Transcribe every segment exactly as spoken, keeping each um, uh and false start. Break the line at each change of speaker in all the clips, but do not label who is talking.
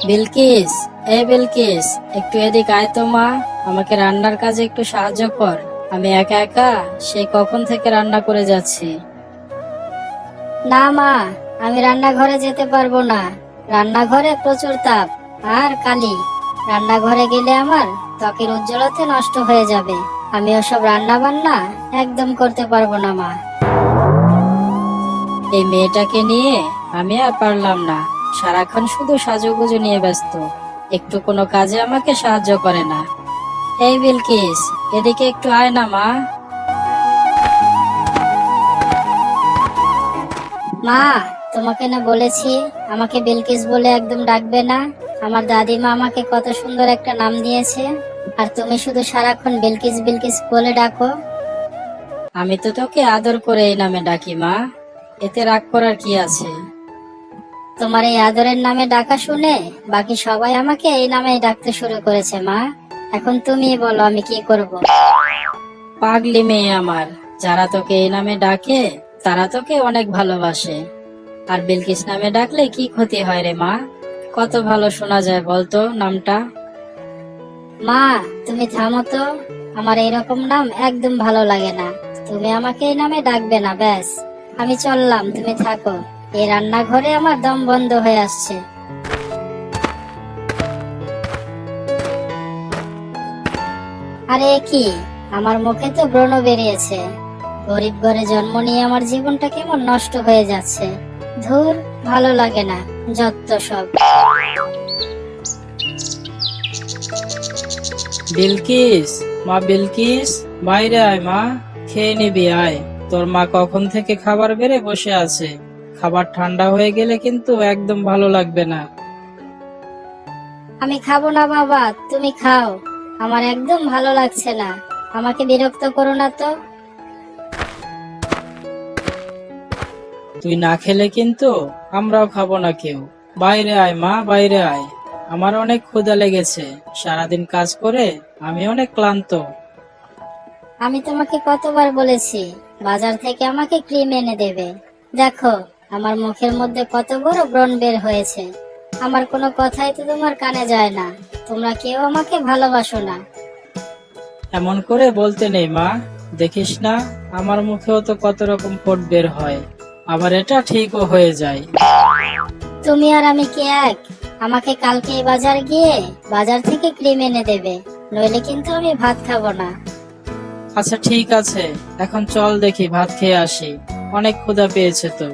বিলকিস, এ বিলকিস, একটু এদিক আয় তো মা। আমাকে রান্নার কাজে একটু সাহায্য কর। আমি একা একা সে কখন থেকে রান্না করে যাচ্ছি।
না মা, আমি রান্নাঘরে যেতে পারবো না। রান্নাঘরে প্রচুর তাপ আর কালি। রান্নাঘরে গেলে আমার ত্বকের উজ্জ্বলতা নষ্ট হয়ে যাবে। আমি ওসব রান্না বান্না একদম করতে পারবো না মা।
এই মেয়েটাকে নিয়ে আমি আর পারলাম না। সারাক্ষণ শুধু সাজুগুজু নিয়ে ব্যস্ত, একটু কোনো কাজে আমাকে সাহায্য করে না। এই বিলকিস, এদিকে একটু আয় না মা।
মা, তোমাকে না বলেছি আমাকে বিলকিস বলে একদম ডাকবে না? আমার দাদিমা আমাকে কত সুন্দর একটা নাম দিয়েছে, আর তুমি শুধু সারাক্ষণ বিলকিস বিলকিস বলে ডাকো।
আমি তো তোকে আদর করে এই নামে ডাকি মা, এতে রাগ করার কি আছে?
তোমার এই আদরের নামে ডাকা শুনে বাকি সবাই আমাকে এই নামেই ডাকতে শুরু করেছে মা। এখন তুমি বলো আমি কি করব?
পাগলি মেয়ে আমার, যারা তোকে এই নামে ডাকে তারা তোকে অনেক ভালোবাসে। আর বিলকিস নামে ডাকলে কি ক্ষতি হয় রে মা? কত ভালো শোনা যায় বলতো নামটা।
মা, তুমি থামো তো। আমার এইরকম নাম একদম ভালো লাগে না। তুমি আমাকে এই নামে ডাকবে না, ব্যাস। আমি চললাম, তুমি থাকো। এই রান্নাঘরে আমার দম বন্ধ হয়ে আসছে। আরে এ কি, আমার মুখে তো ব্রণ বেরিয়েছে। গরিব ঘরে জন্ম নিয়ে আমার জীবনটা কেমন নষ্ট হয়ে যাচ্ছে। ধুর, ভালো লাগে না, যত সব।
বিলকিস, মা বিলকিস, বাইরে আয় মা, খেয়ে নিবি আয়। তোর মা কখন থেকে খাবার বেড়ে বসে আছে। খাবার ঠান্ডা হয়ে গেলে কিন্তু একদম ভালো লাগবে না।
আমি খাবো না বাবা, তুমি খাও। আমার একদম ভালো লাগছে না। আমাকে বিরক্ত করো না তো।
তুই না খেলে কিন্তু আমরাও খাবো না কেউ। বাইরে আয় মা, বাইরে আয়। আমার অনেক ক্ষুধা লেগেছে, সারাদিন কাজ করে আমি অনেক ক্লান্ত।
আমি তোমাকে কতবার বলেছি বাজার থেকে আমাকে ক্রিম এনে দেবে। দেখো, আমার মুখের মধ্যে কত বড় ব্রণ বের হয়েছে। আমার কোনো কথাই তো তোমার কানে যায় না। তোমরা কেউ আমাকে ভালোবাসো না।
এমন করে বলতে নেই মা, দেখিস না আমার মুখেও তো কত রকম ফোঁট বের হয়, আবার এটা ঠিকও হয়ে যায়।
তুমি আর আমি কি এক? আমাকে কালকে বাজার গিয়ে বাজার থেকে ক্রিম এনে দেবে, নইলে কিন্তু আমি ভাত খাবো না।
আচ্ছা ঠিক আছে, এখন চল দেখি ভাত খেয়ে আসি, অনেক ক্ষুধা পেয়েছে তো।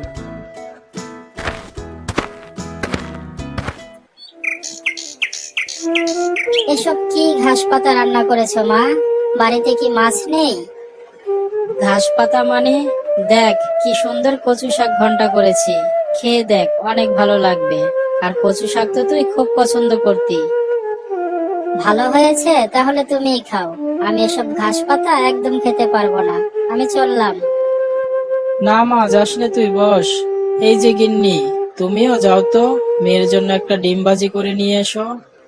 এসব কি ঘাস পাতা রান্না করেছো মা? বাড়িতে কি মাছ নেই?
ঘাস পাতা মানে? দেখ কি সুন্দর কচু শাক ঘন্টা করেছি, খেয়ে দেখ, অনেক ভালো লাগবে। আর কচু শাক তো তুই খুব পছন্দ করতি।
ভালো হয়েছে, তাহলে তুমিই খাও। আমি এসব ঘাস পাতা একদম খেতে পারবো না। আমি চললাম।
না মা, যাস না, তুই বস। এই যে গিন্নি, তুমিও যাও তো, মেয়ের জন্য একটা ডিম ভাজি করে নিয়ে এসো।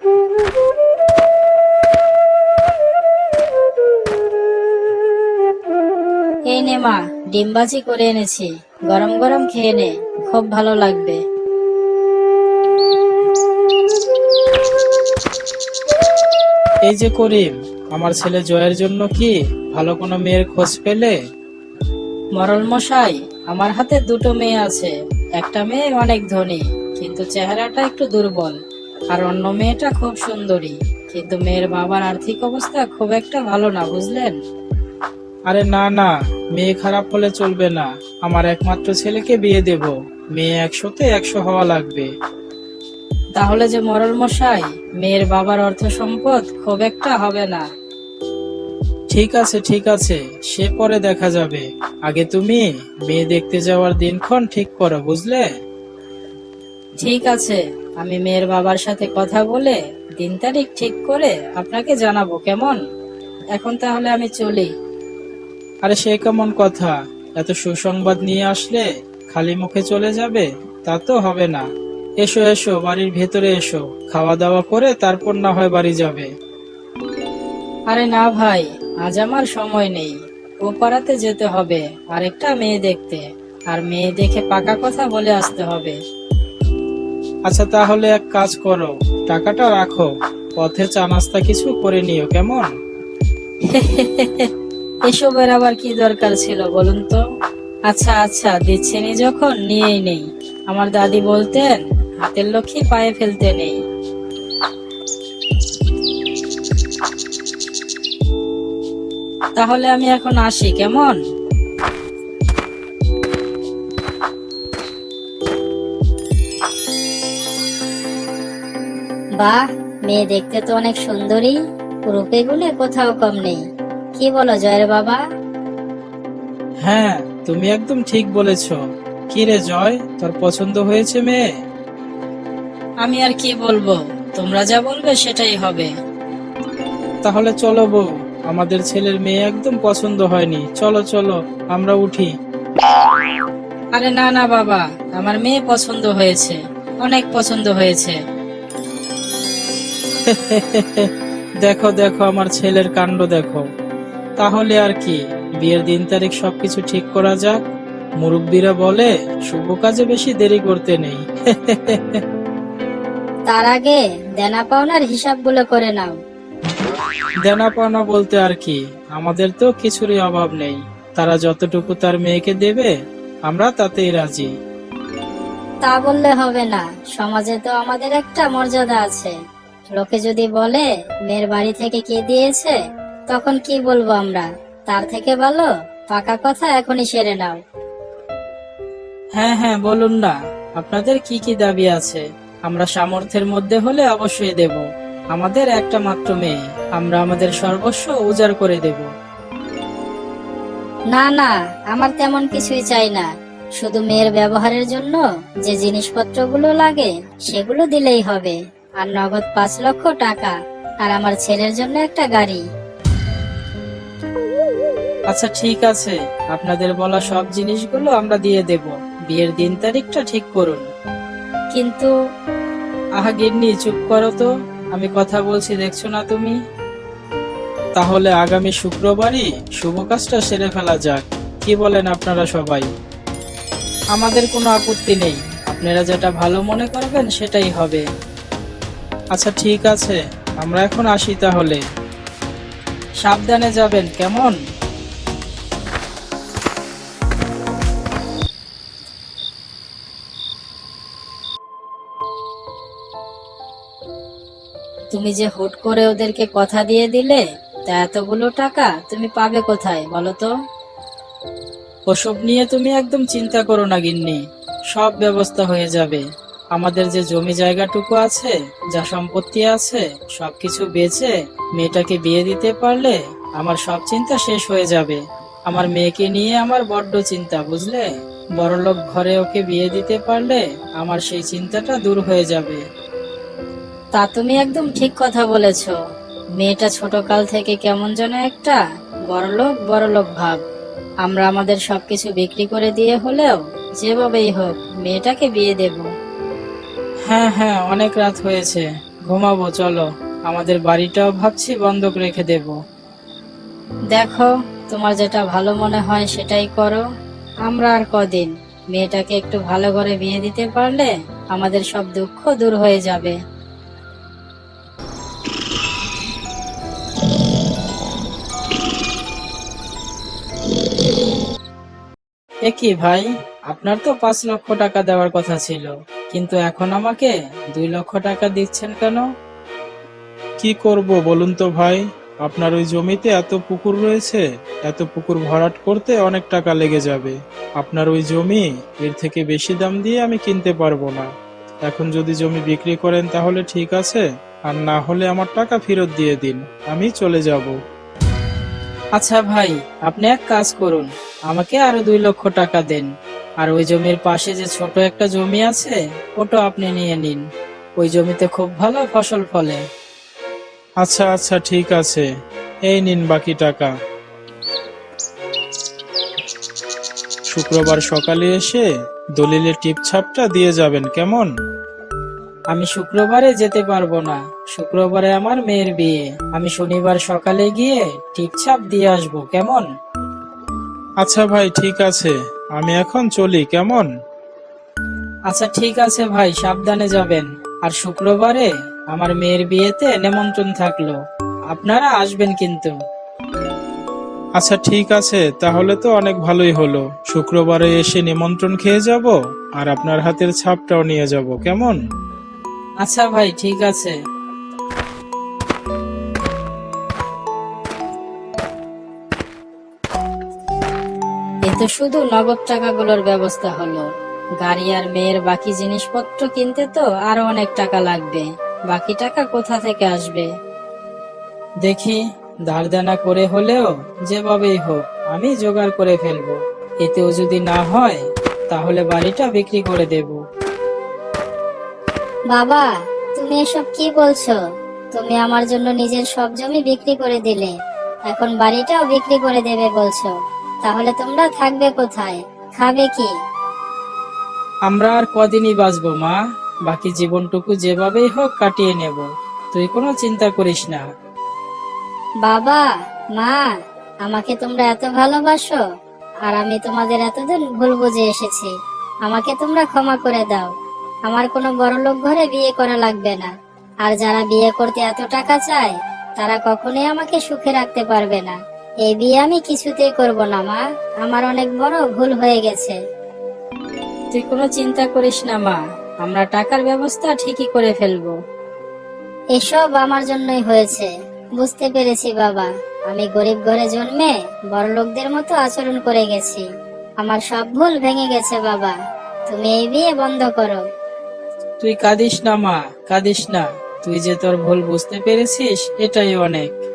এই নে মা, ডিম ভাজি করে এনেছি, গরম গরম খেয়ে নে, খুব ভালো লাগবে। এই যে করিম, আমার ছেলে জয়ের জন্য কি ভালো কোনো মেয়ের খোঁজ পেলে? মরল মশাই, আমার হাতে দুটো মেয়ে আছে। একটা মেয়ে অনেক ধনী, কিন্তু চেহারাটা একটু দুর্বল। আর অন্য মেয়েটা খুব সুন্দরী, কিন্তু মেয়ের বাবার আর্থিক অবস্থা খুব একটা ভালো না, বুঝলেন? আরে না না, মেয়ে খারাপ হলে চলবে না। আমার একমাত্র ছেলেকে বিয়ে দেব, মেয়ে একশোতে একশো হওয়া লাগবে। তাহলে যে মরল মশাই, মেয়ের বাবার অর্থ সম্পদ খুব একটা হবে না। ঠিক আছে ঠিক আছে, সে পরে দেখা যাবে। আগে তুমি মেয়ে দেখতে যাওয়ার দিনক্ষণ ঠিক করো, বুঝলে? ঠিক আছে, আমি মেয়ের বাবার সাথে কথা বলে দিন তারিখ ঠিক করে আপনাকে জানাবো, কেমন? এখন তাহলে আমি চলি। আরে সে কেমন কথা? এত সুসংবাদ নিয়ে আসলে খালি মুখে চলে যাবে? তা তো হবে না। এসো এসো, বাড়ির ভেতরে এসো, খাওয়া দাওয়া করে তারপর না হয় বাড়ি যাবে। আরে না ভাই, আজ আমার সময় নেই। ও পাড়াতে যেতে হবে আরেকটা মেয়ে দেখতে, আর মেয়ে দেখে পাকা কথা বলে আসতে হবে। আচ্ছা তাহলে এক কাজ করো, টাকাটা রাখো, পথে চা নাস্তা কিছু করে নিও, কেমন? এসবের আবার কি দরকার ছিল বলুন তো? আচ্ছা আচ্ছা, দিচ্ছেনি যখন নিয়েই নেই। আমার দাদি বলতেন, হাতের লক্ষ্মী পায়ে ফেলতে নেই। তাহলে আমি এখন আসি, কেমন?
বাহ, মেয়ে দেখতে তো অনেক সুন্দরী, রূপে গুণে কোথাও কম নেই। কি বলো জয়ের বাবা?
হ্যাঁ, তুমি একদম ঠিক বলেছ। কি রে জয়, তোর পছন্দ হয়েছে মেয়ে? আমি আর কি বলবো, তোমরা যা বলবে সেটাই হবে। তাহলে চলো বউ, আমাদের ছেলের মেয়ে একদম পছন্দ হয়নি, চলো চলো আমরা উঠি। আরে না না বাবা, আমার মেয়ে পছন্দ হয়েছে, অনেক পছন্দ হয়েছে। দেখো দেখো আমার ছেলের কাণ্ড দেখো। তাহলে আর কি, বিয়ের দিন তারিখ সবকিছু ঠিক করা যাক। মুরব্বীরা বলে শুভ কাজে বেশি দেরি করতে নেই।
তার আগে দেনা পাওনার হিসাবগুলো করে নাও।
দেনা পাওনা বলতে আর কি, আমাদের তো কিছুরই অভাব নেই। তারা যতটুকু তার মেয়েকে দেবে আমরা তাতেই রাজি।
তা বললে হবে না, সমাজে তো আমাদের একটা মর্যাদা আছে। লোকে যদি বলে মেয়ের বাড়ি থেকে কে দিয়েছে, তখন কি বলবো আমরা? তার থেকে ভালো পাকা কথা এখনই সেরে নাও।
হ্যাঁ হ্যাঁ, বলুন না, আপনাদের কি কি দাবি আছে? আমরা সামর্থ্যের মধ্যে হলে অবশ্যই দেব। আমাদের একটা মাত্র মেয়ে, আমরা আমাদের সর্বস্ব উজাড় করে দেব।
না না, আমার তেমন কিছুই চাই না। শুধু মেয়ের ব্যবহারের জন্য যে জিনিসপত্রগুলো লাগে সেগুলো দিলেই হবে। আর নগদ পাঁচ লক্ষ টাকা, আর আমার ছেলের জন্য একটা গাড়ি।
আচ্ছা ঠিক আছে, আপনাদের বলা সব জিনিসগুলো আমরা দিয়ে দেব। বিয়ের দিন তারিখটা ঠিক করুন।
কিন্তু
আহা গিন্নি, চুপ করো তো, আমি কথা বলছি দেখছো না তুমি? তাহলে আগামী শুক্রবারই শুভ কাজটা সেরে ফেলা যাক, কি বলেন আপনারা সবাই? আমাদের কোনো আপত্তি নেই, আপনারা যেটা ভালো মনে করবেন সেটাই হবে। আচ্ছা ঠিক আছে, আমরা এখন আসি তাহলে। সাবধানে যাবেন, কেমন?
তুমি যে হুট করে ওদেরকে কথা দিয়ে দিলে, তা এতগুলো টাকা তুমি পাবে কোথায় বলো তো?
ওসব নিয়ে তুমি একদম চিন্তা করো না গিন্নি, সব ব্যবস্থা হয়ে যাবে। আমাদের যে জমি জায়গাটুকু আছে, যা সম্পত্তি আছে, সবকিছু বেচে মেয়েটাকে বিয়ে দিতে পারলে আমার সব চিন্তা শেষ হয়ে যাবে। আমার মেয়েকে নিয়ে আমার বড্ড চিন্তা, বুঝলে? বড়লোক ঘরে ওকে বিয়ে দিতে পারলে আমার সেই চিন্তাটা দূর হয়ে যাবে।
তা তুমি একদম ঠিক কথা বলেছো। মেয়েটা ছোট কাল থেকে কেমন যেন একটা বড়লোক বড়লোক ভাব। আমরা আমাদের সবকিছু বিক্রি করে দিয়ে হলেও যেভাবেই হোক মেয়েটাকে বিয়ে দেব।
হ্যাঁ হ্যাঁ, অনেক রাত হয়েছে, ঘুমাবো চলো। আমাদের বাড়িটাও ভাবছি বন্ধক রেখে দেব।
দেখো, তোমার যেটা ভালো মনে হয় সেটাই করো। আমরা আর কদিন, মেয়েটাকে একটু ভালো করে বিয়ে দিতে পারলে আমাদের সব দুঃখ দূর হয়ে যাবে।
এ কি ভাই, আপনার তো পাঁচ লক্ষ টাকা দেওয়ার কথা ছিল, কিন্তু এখন আমাকে দুই লক্ষ টাকা দিচ্ছেন কেন?
কি করব বলুন তো ভাই, আপনার ওই জমিতে এত পুকুর রয়েছে, এত পুকুর ভরাট করতে অনেক টাকা লেগে যাবে। আপনার ওই জমি এর থেকে বেশি দাম দিয়ে আমি কিনতে পারবো না। এখন যদি জমি বিক্রি করেন তাহলে ঠিক আছে, আর না হলে আমার টাকা ফেরত দিয়ে দিন, আমি চলে যাব।
আচ্ছা ভাই, আপনি এক কাজ করুন, আমাকে আরো দুই লক্ষ টাকা দেন। আর ওই জমির পাশে যে ছোট একটা জমি আছে, ওটা আপনি নিয়ে নিন। ওই জমিতে খুব ভালো ফসল ফলে।
আচ্ছা আচ্ছা ঠিক আছে, এই নিন বাকি টাকা। শুক্রবার সকালে এসে দলিলের টিপছাপটা দিয়ে যাবেন, কেমন?
আমি শুক্রবারে যেতে পারবো না, শুক্রবারে আমার মেয়ের বিয়ে। আমি শনিবার সকালে গিয়ে টিপছাপ দিয়ে আসবো, কেমন?
আচ্ছা ভাই ঠিক আছে, আমি এখন চলি, কেমন?
আচ্ছা ঠিক আছে ভাই, সাবধানে যাবেন। আর শুক্রবারে আমার মেয়ের বিয়েতে নিমন্ত্রণ থাকলো, আপনারা আসবেন কিন্তু।
আচ্ছা ঠিক আছে, তাহলে তো অনেক ভালোই হলো। শুক্রবারে এসে নিমন্ত্রণ খেয়ে যাব, আর আপনার হাতের ছাপটাও নিয়ে যাব, কেমন?
আচ্ছা ভাই, ঠিক আছে। এতে শুধু নগদ টাকাগুলোর ব্যবস্থা হলো। গাড়ি আর মেয়ের বাকি জিনিসপত্র কিনতে তো আরো অনেক টাকা লাগবে। বাকি টাকা কোথা থেকে আসবে? দেখি, ধার দেনা করে হলেও যেভাবেই হোক আমি জোগাড় করে ফেলবো। এতেও যদি না হয় তাহলে বাড়িটা বিক্রি করে দেব।
বাবা, তুমি এসব কি বলছো? তুমি আমার জন্য নিজের সব জমি বিক্রি করে দিলে, এখন বাড়িটাও বিক্রি করে দেবে বলছো? তাহলে তোমরা থাকবে কোথায়, খাবে কি?
আমরা আর কদিনই বাঁচবো মা, বাকি জীবনটুকু যেভাবেই হোক কাটিয়ে নেব। তুই কোনো চিন্তা করিস না।
বাবা, মা, আমাকে তোমরা এত ভালোবাসো, আর আমি তোমাদের এতদিন ভুল বুঝে এসেছি। আমাকে তোমরা ক্ষমা করে দাও। আমার কোনো বড়লোক ঘরে বিয়ে করা লাগবে না। আর যারা বিয়ে করতে এত টাকা চায়, তারা কখনোই আমাকে সুখে রাখতে পারবে না। এই বিয়ে আমি কিছুতেই করব না মা, আমার অনেক বড় ভুল হয়ে গেছে।
তুই কোনো চিন্তা করিস না মা, আমরা টাকার ব্যবস্থা ঠিকই করে ফেলবো।
এসব আমার জন্যই হয়েছে, বুঝতে পেরেছি বাবা। আমি গরিব ঘরে জন্মে বড়লোকদের মতো আচরণ করে গেছি। আমার সব ভুল ভেঙে গেছে বাবা, তুমি এই বিয়ে বন্ধ করো।
তুই কাঁদিস না মা, কাঁদিস না। তুই যে তোর ভুল বুঝতে পেরেছিস, এটাই অনেক।